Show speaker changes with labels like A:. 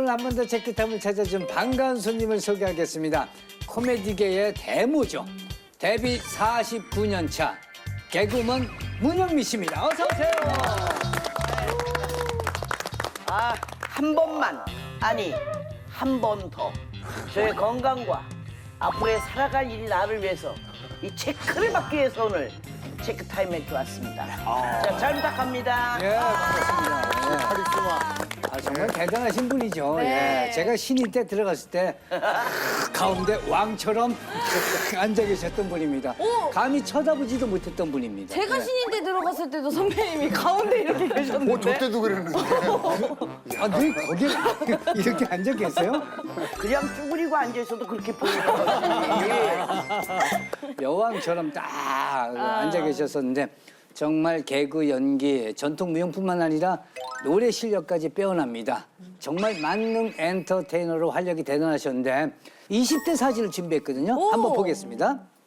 A: 오늘 한 번 더 체크타임을 찾아준 반가운 손님을 소개하겠습니다. 코미디계의 대모죠. 데뷔 49년 차 개그우먼 문영미 씨입니다. 어서 오세요.
B: 한 번만, 아니 한 번 더 저의 건강과 앞으로의 살아갈 일이 나를 위해서 이 체크를 받기 위해서 오늘 체크타임에 들어왔습니다. 자, 잘 부탁합니다.
A: 예, 반갑습니다. 예.
C: 카리스마.
A: 정말 대단하신 분이죠.
D: 네.
A: 예. 제가 신인 때 들어갔을 때 가운데 왕처럼 앉아 계셨던 분입니다.
D: 오!
A: 감히 쳐다보지도 못했던 분입니다.
D: 제가
A: 예.
D: 신인 때 들어갔을 때도 선배님이 가운데 이렇게 계셨는데.
C: 저 때도 그랬는데.
A: 아, 늘 거기 이렇게 앉아 계세요?
B: 그냥 쭈그리고 앉아 있어도 그렇게 보이는 거지.
A: 여왕처럼 딱 앉아 계셨었는데 정말 개그, 연기, 전통 무용뿐만 아니라 노래 실력까지 빼어납니다. 정말 만능 엔터테이너로 활약이 대단하셨는데 20대 사진을 준비했거든요.
D: 오!
A: 한번 보겠습니다.